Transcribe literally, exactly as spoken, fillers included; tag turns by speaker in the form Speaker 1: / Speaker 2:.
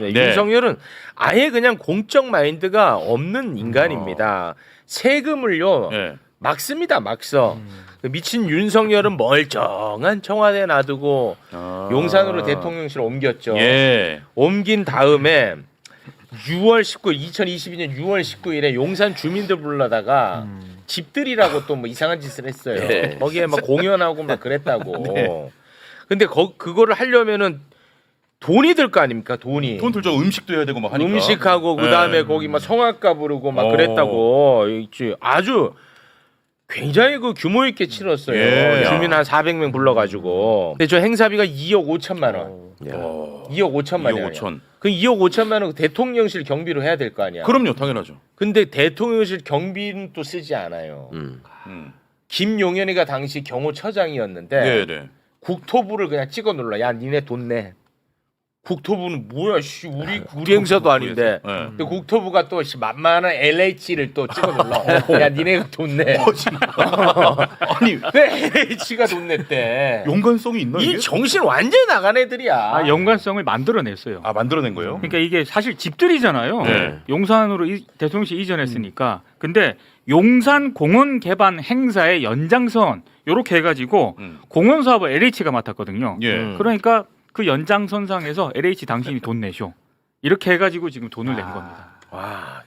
Speaker 1: 네.
Speaker 2: 네.
Speaker 1: 윤석열은 아예 그냥 공적 마인드가 없는 인간입니다. 세금을요
Speaker 2: 네.
Speaker 1: 막 씁니다, 막 써. 그 미친 윤석열은 멀쩡한 청와대 놔두고
Speaker 2: 아.
Speaker 1: 용산으로 대통령실 옮겼죠.
Speaker 2: 예.
Speaker 1: 옮긴 다음에 유월 십구일 이천이십이년 유월 십구일에 용산 주민들 불러다가 집들이라고 또 뭐 이상한 짓을 했어요.
Speaker 2: 네.
Speaker 1: 거기에 막 공연하고 막 그랬다고.
Speaker 2: 네.
Speaker 1: 근데 거, 그거를 하려면은 돈이 들 거 아닙니까? 돈이.
Speaker 2: 돈 들죠. 음식도 해야 되고 막 하니까.
Speaker 1: 음식하고
Speaker 2: 네.
Speaker 1: 그다음에 거기 막 성악가 부르고 막
Speaker 2: 어.
Speaker 1: 그랬다고. 있지. 아주 굉장히 그 규모 있게 치렀어요.
Speaker 2: 예.
Speaker 1: 주민 한 사백 명 불러가지고. 근데 저 행사비가 이억 오천만 원.
Speaker 2: 어.
Speaker 1: 이억 오천만
Speaker 2: 이억
Speaker 1: 원.
Speaker 2: 오천.
Speaker 1: 그 이억 오천만 원 대통령실 경비로 해야 될 거 아니야.
Speaker 2: 그럼요, 당연하죠.
Speaker 1: 근데 대통령실 경비는 또 쓰지 않아요.
Speaker 2: 음.
Speaker 1: 김용현이가 당시 경호처장이었는데
Speaker 2: 네, 네.
Speaker 1: 국토부를 그냥 찍어 눌러. 야, 니네 돈 내. 국토부는 뭐야, 씨, 우리 우리 행사도 아닌데.
Speaker 2: 네.
Speaker 1: 근데 국토부가 또 씨, 만만한 엘에이치를 또 찍어 눌러. 야, 니네가 돈 내.
Speaker 2: 아니,
Speaker 1: 왜 엘에이치가 돈 냈대?
Speaker 2: 연관성이 있나 이게?
Speaker 1: 이 정신 완전 나간 애들이야.
Speaker 3: 아, 연관성을 만들어냈어요.
Speaker 2: 아, 만들어낸 거예요?
Speaker 3: 그러니까 이게 사실 집들이잖아요.
Speaker 2: 네.
Speaker 3: 용산으로 이, 대통령실 이전했으니까. 근데 용산 공원 개발 행사의 연장선 요렇게 해가지고
Speaker 2: 음.
Speaker 3: 공원 사업을 엘에이치가 맡았거든요.
Speaker 2: 예.
Speaker 1: 음.
Speaker 3: 그러니까 그 연장선상에서 엘에이치 당신이 돈 내쇼 이렇게 해가지고 지금 돈을 낸 겁니다.
Speaker 1: 와,